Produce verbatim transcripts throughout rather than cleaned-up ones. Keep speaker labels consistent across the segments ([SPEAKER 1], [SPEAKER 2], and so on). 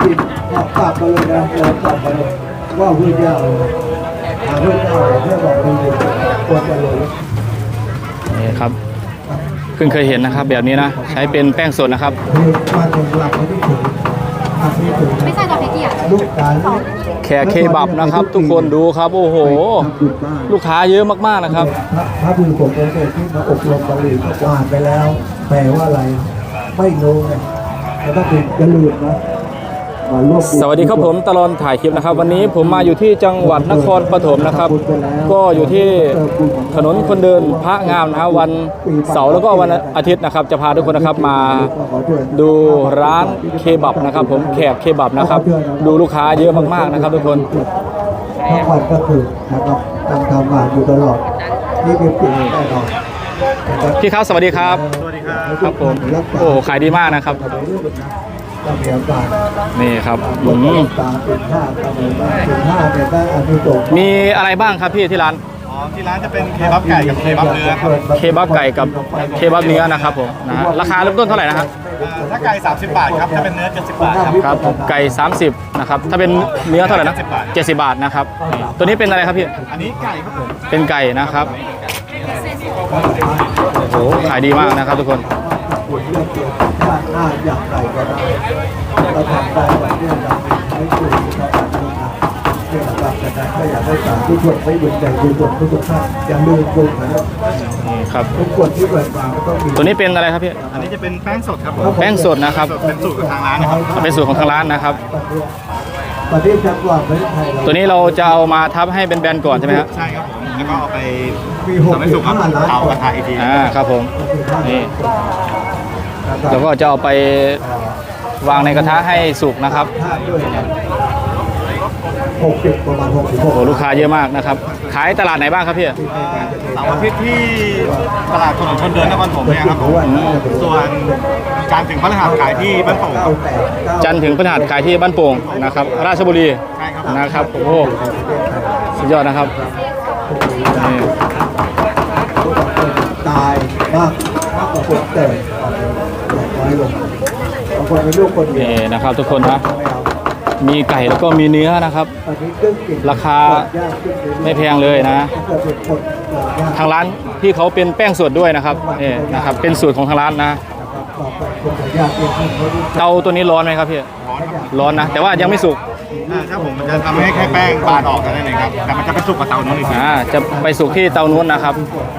[SPEAKER 1] จิตกลับมาเลยนะเรากลับมาเลยว่าพระเจ้าหาพระเจ้าเพื่อบอกดีๆควรจะเลย
[SPEAKER 2] นี่ครับเพิ่งเคยเห็นนะครับแบบนี้นะใช้เป็นแป้งสดนะครับ
[SPEAKER 3] ไม่ใช่ตัวเพกี้อ่ะ
[SPEAKER 2] แขกเคบับนะครับทุกคนดูครับโอ้โหลูกค้าเยอะมากๆนะครับ
[SPEAKER 1] พระพิสุสงฆ์ที่มาอบรมบาลีก็อ่านไปแล้วแปลว่าอะไรไม่รู้ไงแล้วก็เป็นกระลืมนะ
[SPEAKER 2] สวัสดีครับผมตลอดถ่ายคลิปนะครับวันนี้ผมมาอยู่ที่จังหวัดนครปฐมนะครับก็อยู่ที่ถนนคนเดินพระงามนะวันเสาร์แล้วก็วันอาทิตย์นะครับจะพาทุกคนนะครับมาดูร้านเคบับนะครับผมแขกเคบับนะครับดูลูกค้าเยอะมากๆนะครับทุกคน
[SPEAKER 1] ทั้งวันก็คือนะครับตั้งทำงานอยู่ตลอดนี่เป็นปิดแน่นอน
[SPEAKER 2] พี่ครับสวัสดีครับสวัสดีครับครับผมโอ้ขายดีมากนะครับนี่ครับมีอะไรบ้างครับพี่ที่ร้าน
[SPEAKER 4] อ๋อที่ร้านจะเป็นเคบับไก่กับเคบับเนื้อครับ
[SPEAKER 2] เคบับไก่กับเคบับเนื้อนะครับผมนะราคาเริ่มต้นเท่าไหร่นะครับ
[SPEAKER 4] ถ้าไก่สามสิบบาทครับถ้าเป็นเนื้อเจ็ดสิบบาทครับ
[SPEAKER 2] ครับไก่สามสิบนะครับถ้าเป็นเนื้อเท่าไหร่นะเจ็ดสิบบาทนะครับตัวนี้เป็นอะไรครับพี่
[SPEAKER 4] อันนี้ไก่ครับผม
[SPEAKER 2] เป็นไก่นะครับโอ้โหขายดีมากนะครับทุกคน
[SPEAKER 1] ถ้าอยากไก่ก็ได้เราทำได้แบบนี้เราไม่คุยเราทำได้เรื่องหลักการถ้าอยากได้สารทุกคนไม่เหมือนใจทุกคนทุกท่านอย่าลืมปรุงนะครับ
[SPEAKER 2] นี่ครับ
[SPEAKER 1] ทุกคนที่เปิดมาก็ต้องมี
[SPEAKER 2] ตัวนี้เป็นอะไรครับพี่
[SPEAKER 4] อันนี้จะเป็นแป้งสดครับ
[SPEAKER 2] แป้งสดนะครับ
[SPEAKER 4] เป็นสูตรของทางร้านนะครับ
[SPEAKER 2] เป็นสูตรของทางร้านนะครับ
[SPEAKER 1] ประเทศจังหวัดประเทศไทย
[SPEAKER 2] ตัวนี้เราจะเอามาทับให้เป็นแบนก่อนใช่ไหมครับ
[SPEAKER 4] ใช่ครับผมแล้วก็เอาไปทำให้สุกกับเตากระทะอีกที
[SPEAKER 2] อ่าครับผมนี่แล้วก็จะเอาไปวางในกระทะให้สุกนะครับ
[SPEAKER 1] หกสิบประมาณหกสิบหก
[SPEAKER 2] โอ้ลูกค้าเยอะมากนะครับขายตลาดไหนบ้างครับพี่
[SPEAKER 4] เสาร์อาทิตย์ที่ตลาดถนนคนเดินนครปฐมเนี่ยครับผมส่วนจันทร์ถึงพฤหัสขายที่บ้านโป่ง
[SPEAKER 2] จันทร์ถึงพฤหัสขายที่บ้านโป่งนะครับราชบุรีนะครับโอ้สุดยอดนะครับนี่
[SPEAKER 1] ตายมากมากกว่าคนแต่น้อยลงบางคนเป็นลูกคนเดียว
[SPEAKER 2] นะครับทุกคนนะมีไก่แล้วก็มีเนื้อนะครับราคาไม่แพงเลยนะทางร้านที่เขาเป็นแป้งสดด้วยนะครับนี่นะครับเป็นสูตรของทางร้านนะเตาตัวนี้ร้อนไหมครับพี่ร้อนนะแต่ว่ายังไม่สุก
[SPEAKER 4] ครับผมมันจะทำให้แค่แป้งบานออกกันได้เลยครับแต่มันจะไปสุกกับเตาโน้นอีก
[SPEAKER 2] อ่าจะไปสุกที่เตาโน้นนะครับ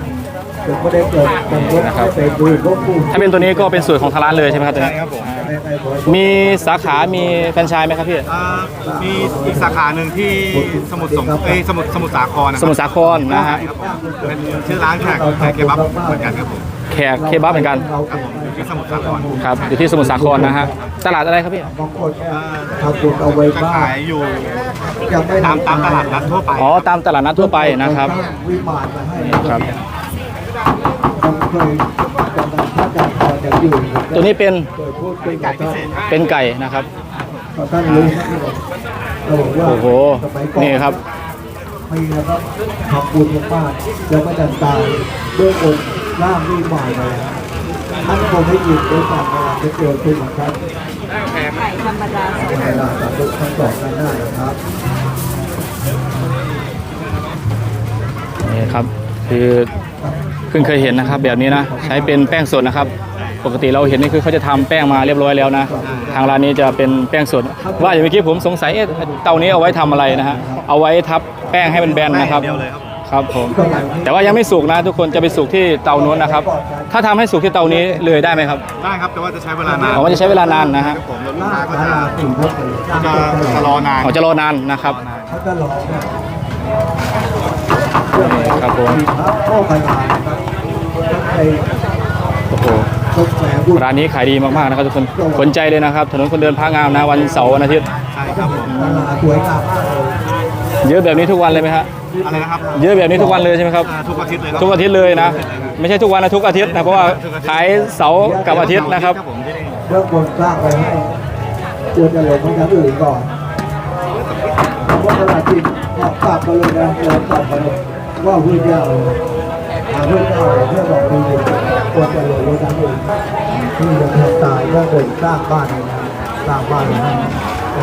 [SPEAKER 2] นะครับถ้าเป็นตัวนี้ก็เป็นสูตรของทางร้านเลยใช่ไหมครับตัวนี้มีสาขามีแฟรนไชส์ไหมครับพี่
[SPEAKER 4] มีอีกสาขาหนึ่งที่สมุทรสงครามสมุทรสมุทรสาคร
[SPEAKER 2] สมุทรสาครนะฮะ
[SPEAKER 4] เป็นชื่อร้านแขกแขกเคบับเหมือนกันครับผม
[SPEAKER 2] แขกเคบับเหมือนกัน
[SPEAKER 4] อยู่ที่สมุทรสาคร
[SPEAKER 2] ครับอยู่ที่สมุทรสาครนะฮะตลาดอะไรครับพี่
[SPEAKER 1] ทำบุญเอาไว้บ้าง
[SPEAKER 4] ขายอยู่ตามตามตลาดนัดทั่วไป
[SPEAKER 2] อ๋อตามตลาดนัดทั่วไปนะครับครับตัวนี้เป็นเป็นไก่นะครับโอ้โหนี่ครับ
[SPEAKER 1] มีนะครับทำบุญมากแล้วก็จะตายด้วยองค์ร่างวิมานเลยท่านคงไม่หยุดด้วยความรักจะเกิดขึ้นครับ
[SPEAKER 3] ไก่ธรรมดา
[SPEAKER 1] ธรรมดาทุกท่านบอกกันได้นะครับ
[SPEAKER 2] นี่ครับคือเพิ่งเคยเห็นนะครับแบบนี้นะใช้เป็นแป้งสดนะครับปกติเราเห็นนี่คือเขาจะทำแป้งมาเรียบร้อยแล้วนะทางร้านนี้จะเป็นแป้งสดว่าอย่างเมื่อกี้ผมสงสัยเตานี้เอาไว้ทำอะไรนะฮะเอาไว้ทับแป้งให้เป็นแบนนะครับครับผมแต่ว่ายังไม่สุกนะทุกคนจะไปสุกที่เตาโน้นนะครับถ้าทำให้สุกที่เตานี้เลยได้ไหมครับ
[SPEAKER 4] ได้ครับแต่ว่าจะใช้เวลานาน
[SPEAKER 2] ผมว่าจะใช้เวลานานนะฮะ
[SPEAKER 4] ผมแล้วลูกค้าก็จะจะรอนาน
[SPEAKER 2] เขาจะรอนานนะครับครับผมโอ้โหร้านนี้ขายดีมากๆนะครับทุกคนสนใจเลยนะครับถนนคนเดินพระงามนะวันเสาร์วันอาทิตย์
[SPEAKER 4] ใช่ครับผม
[SPEAKER 2] เยอะแบบนี้ทุกวันเลยไหมฮะ
[SPEAKER 4] อะไรนะครับ
[SPEAKER 2] เยอะแบบนี้ทุกวันเลยใช่ไหมครับ
[SPEAKER 4] ทุกอาทิตย์เลย
[SPEAKER 2] ทุกอาทิตย์เลยนะไม่ใช่ทุกวันนะทุกอาทิตย์นะเพราะว่าขายเสาร์กับอาทิตย์นะครับ
[SPEAKER 1] เรื่องบนสร้างไปให้ควรจะลงมาจากอื่นก่อนเพราะตลาดจริงกลับมาเลยนะเรากลับมาเลยว่าพระเจ้าหาพระเจ้าเพื่อบอกดีๆควรจะลงมาจากอื่นที่จะทำตายเพื่อเดินสร้างบ้านให้นะสร้างบ้านให้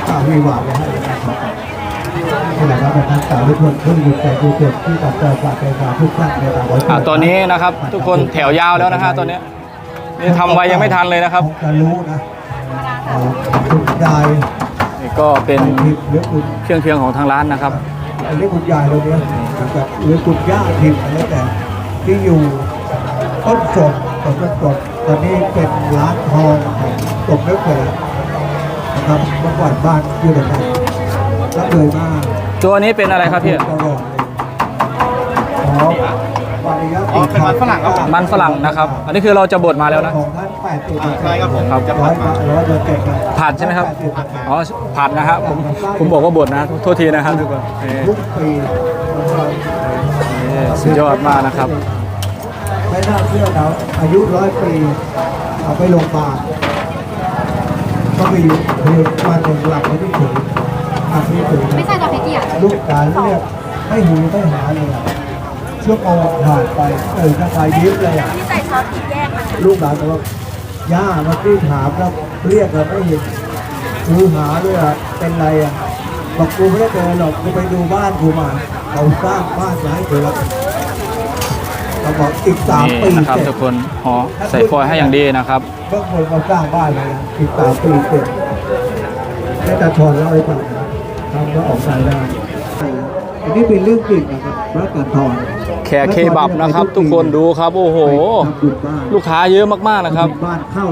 [SPEAKER 1] ข้าววิวาทเลยให้นะครับนี่แหละครับเป็นทางสาวทุกคนทุกคนใจทุกคนที่ตัดใจฝากใจฝากทุกท่านในตาไว้
[SPEAKER 2] อ่ะตอนนี้นะครับทุกคนแถวยาวแล้วนะฮะตอนนี้นี่ทำไว้ยังไม่ทันเลยนะครับ
[SPEAKER 1] จะรู้นะคุณยาย
[SPEAKER 2] นี่ก็เป็น
[SPEAKER 1] ทิพย์หรือคุณ
[SPEAKER 2] เครื่องเคียงของทางร้านนะครับ
[SPEAKER 1] อันนี้คุณยายเราเนี่ยนะครับหรือคุณย่าทิพย์อะไรแต่ที่อยู่ต้นสดต้นสดตอนนี้เป็นร้านทองของตกเล็กเลยนะครับเมื่อก่อนบ้านอยู่ตรงนั้นแล้วเลยมา
[SPEAKER 2] ตัวนี้เป็นอะไรครับพี่
[SPEAKER 1] ตลอดเลยอ๋อวันนี้
[SPEAKER 4] อ๋อเป็นมันฝรั่งครับผม
[SPEAKER 2] มันฝรั่งนะครับ อันนี้คือเราจะบดมาแล้วนะ
[SPEAKER 1] ของท่านแปดสิบ
[SPEAKER 4] อ่าใช่ครับผม
[SPEAKER 2] ครับ
[SPEAKER 4] จะ
[SPEAKER 1] ร้
[SPEAKER 4] ผั
[SPEAKER 1] อย
[SPEAKER 4] ดมา
[SPEAKER 1] ร้อยเปอร์เซ็นต์ครับ
[SPEAKER 2] ผัดใช่ไหมครับ อ๋อผัดนะครับผมผมบอกว่าบดนะโทษทีนะครับทุกคนนี่
[SPEAKER 1] ทุกปีนะครับ
[SPEAKER 2] นี่สุดยอดมากนะครับ
[SPEAKER 1] ไม่น่าเชื่อนะอายุร้อยปีเอาไปโรงพยาบาลก็ไปอยู่คือวันหนึ่งหลับไม่ได้ถึงอาที่ถึง
[SPEAKER 3] ไม่ใช่สปาเกตตี้อ่ะ
[SPEAKER 1] ลูกหลานเรียกไม่หูไม่หาเลยอะชั่วโมงผ่านไปเออถ้าใครยิ้มเลยอ่ะ
[SPEAKER 3] ที่ใส่ซอสพริกแยกมา
[SPEAKER 1] ลูกหลานบอกว่าย่ามาที่ถามแล้วเรียกเราไม่เห็นกูหาด้วยอ่ะเป็นไรอ่ะบอกกูไม่ได้เจอหรอกกูไปดูบ้านกูมาเขาสร้างบ้านมาให้กูแล้วเขาบอกอีกสาม
[SPEAKER 2] นี่
[SPEAKER 1] ปี
[SPEAKER 2] นะครับ
[SPEAKER 1] เสร็จ
[SPEAKER 2] ทุกคนห่อใส่ฟอยล์ให้อย่างดีนะครับ
[SPEAKER 1] เมื่อคนเขาสร้างบ้านเลยนะอีกสามปีเสร็จแม่ตาชอนเล่าให้ฟังนะทำก็ออกรายได้อันนี้เป็นเรื่องจริงนะครับพระการทอน
[SPEAKER 2] แขกเคบับนะครับ ทุกคนดูครับโอ้โห
[SPEAKER 1] ทำบุญบ้าน
[SPEAKER 2] ลูกค้าเยอะมากๆนะครับ
[SPEAKER 1] บ้านเข้า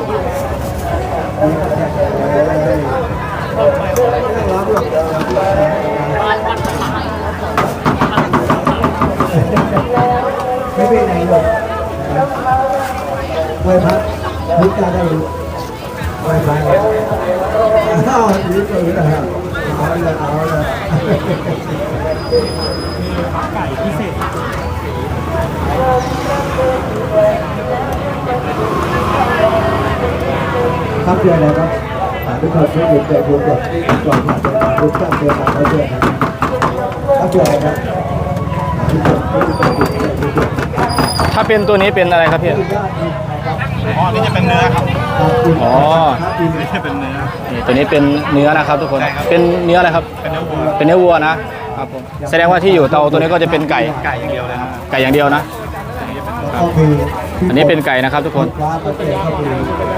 [SPEAKER 1] ไม่เป็นไรหรอกไหว้พระพุทธาได้ดูไหว้พระเอาดีสุดนะฮะเอาเลยเอาเลยไก่พิเศษครับเดือนอะไรครับทุกคนช่วยดูใจดูก่อนก่อนผ่านไปทุกท่านเดือนอะไรเดือนครับเดือนอะไรครับทุกคนช่วยดูใจดูใจดูก่อน
[SPEAKER 2] ถ้าเป็นตัวนี้เป็นอะไรครับพี่
[SPEAKER 4] อ๋อ นี่จะเป็นเนื้อครับ
[SPEAKER 2] อ๋อ
[SPEAKER 4] นี่จะเป็นเนื้อ
[SPEAKER 2] นี่ตัวนี้เป็นเนื้อนะครับ ทุกคน
[SPEAKER 4] ใช่ครับ
[SPEAKER 2] เป็นเนื้ออะไรครับ
[SPEAKER 4] เป็นเนื้อวัว
[SPEAKER 2] เป็นเนื้อวัวนะครับผมแสดงว่าที่อยู่เตาตัวนี้ก็จะเป็นไก่
[SPEAKER 4] ไก่อย่างเดียวเลยครับ
[SPEAKER 2] ไก่อย่างเดียวนะ อันนี้เป็นไก่นะครับ ทุกคน
[SPEAKER 1] ฟ้าประเทศก็มี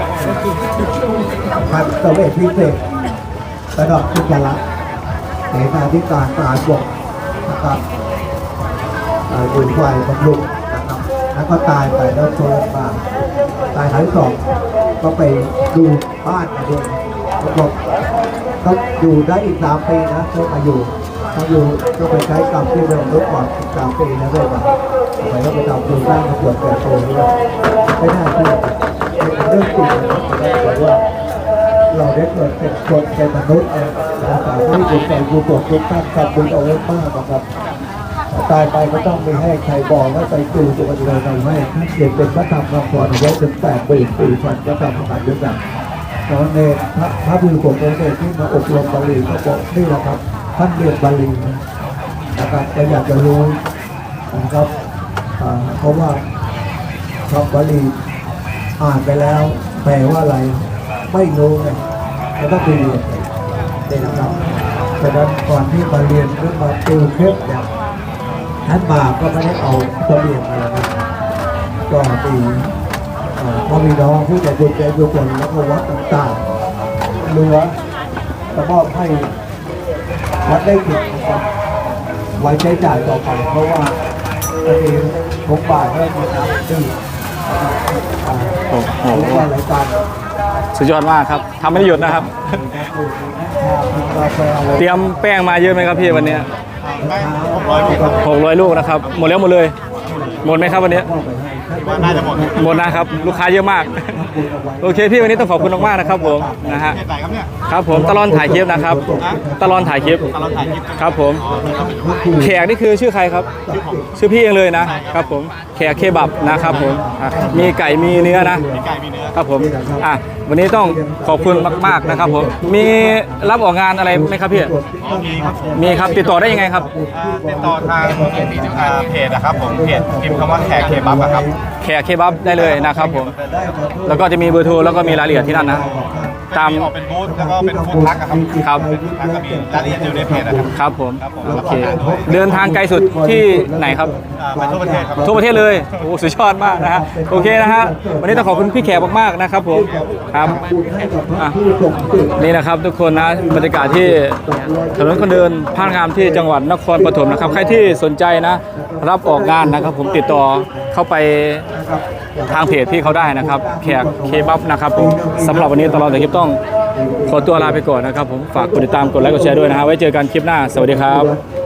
[SPEAKER 1] พันตะเวทพิเศษระดับทุจระเสนาธิการทหารบกนะครับดูไฟบำรุงนะครับแล้วก็ตายไปแล้วโซนมาตายหายสองก็ไปดูบ้านมาด้วยบอกก็อยู่ได้อีกสามปีนะก็มาอยู่ถ้าอยู่ก็ไปใช้กรรมที่เดิมลดก่อนสามปีนะด้วยมาไปก็ไปทำดูสร้างระบบแก่ตัวด้วยไม่น่าเชื่อเป็นเรื่องจริงนะครับแต่ว่าเราได้เกิดเป็นคนเป็นมนุษย์นะครับที่บุญใจบุญบกทุกท่านทำบุญเอาไว้มากนะครับตายไปก็ต้องไม่ให้ใครบอกว่าไปจูตัวกันเลยเราให้ท่านเขียนเป็นพระธรรมคำสอนเอาไว้ถึงแปดปีปีพันพระธรรมคำสอนด้วยกันตอนเนรพระพระบุญขององค์เนรที่มาอบรมบาลีก็บอกนี่แหละครับท่านเรียนบาลีนะครับก็อยากจะรู้นะครับอ่าเพราะว่าคำบาลีอ่านไปแล้วแปลว่าอะไรไม่รู้ไงก็ต้องไปเรียนนี่นะครับฉะนั้นก่อนที่มาเรียนหรือมาติวเคล็ดเนี่ยท่านมาก็ไม่ได้เอาเสบียงมานะก็มีเอ่อพ่อมีน้องผู้ใจบุญใจบุญคนแล้วก็วัดต่างๆเรือจะมอบให้วัดได้กินนะครับไว้ใช้จ่ายต่อไปเพราะว่าตอนนี้ทุกบาทให้มาทำที่อ่า
[SPEAKER 2] โอ้โห
[SPEAKER 1] เรียกว่ารายการ
[SPEAKER 2] สุดยอดมากครับทำไม่ได้หยุดนะครับ เตรียมแป้งมาเยอะไหมครับพี่วันนี้
[SPEAKER 4] ได้หกร้อยลูกครับ
[SPEAKER 2] หกร้อยลูกนะครับหมดแล้วหมดเลย หมดไหมครับวันนี้
[SPEAKER 4] ว่าน่าจะหมด
[SPEAKER 2] หมดนะครับ ลูกค้าเยอะมาก โอเคพี่วันนี้ต้องขอบคุณมากๆนะครับผมนะฮะ
[SPEAKER 4] เทศไหนครับเนี่ย
[SPEAKER 2] ครับผมตลอดถ่ายคลิปนะครับตลอดถ่ายคลิป
[SPEAKER 4] ตลอดถ่ายคลิป
[SPEAKER 2] ครับผม
[SPEAKER 4] อ๋อนี่ก็เป็น
[SPEAKER 2] แขกนี่คือชื่อใครครับ
[SPEAKER 4] ชื่อผม
[SPEAKER 2] ชื่อพี่เองเลยนะครับผมแขกเคบับนะครับผมอ่ะมีไก่มีเนื้อนะ
[SPEAKER 4] มีไก่มีเนื้อ
[SPEAKER 2] ครับผมอ่ะวันนี้ต้องขอบคุณมากๆนะครับผมมีรับออกงานอะไรไหมครับพี่
[SPEAKER 4] อ๋อมีครับ
[SPEAKER 2] มีครับติดต่อได้ยังไงครับ
[SPEAKER 4] อ่าติดต่อทางอ่าเพจนะครับผมเพจพิมพ์คำว่าแขกเคบับอะครับ
[SPEAKER 2] แขกเคบับได้เลยนะครับผมแล้วก็จะมีเบอร์โทรแล้วก็มีรายละเอียดที่นั่นนะตาม
[SPEAKER 4] ออกเป็นบูธแล้วก็เป็นฟู้ดทักอะครับ
[SPEAKER 2] ครับ
[SPEAKER 4] เป็นฟู้ดทักก็มีรายละเอียดอยู่ในเพจนะครับ
[SPEAKER 2] ครับผม
[SPEAKER 4] ครับผม
[SPEAKER 2] โอเคเดินทางไกลสุดที่ไหนครับ
[SPEAKER 4] อ่าไปทั่วประเทศครับ
[SPEAKER 2] ทั่วประเทศเลยโอ้สุดยอดมากนะฮะโอเคนะฮะวันนี้ต้องขอบคุณพี่แขกมากๆนะครับผมครับ
[SPEAKER 1] บุญให้กับพระผู้ทรงเกียรติ
[SPEAKER 2] นี่นะครับทุกคนนะบรรยากาศที่ถนนคนเดินพานงามที่จังหวัดนครปฐมนะครับใครที่สนใจนะรับออกงานนะครับ ผมติดต่อเข้าไปทางเพจที่เขาได้นะครับแขกเคบับนะครับผมสำหรับวันนี้ตลอดแต่คลิปต้องขอตัวลาไปก่อนนะครับผมฝากกดติดตามกดไลค์กดแชร์ด้วยนะฮะไว้เจอกันคลิปหน้าสวัสดีครับ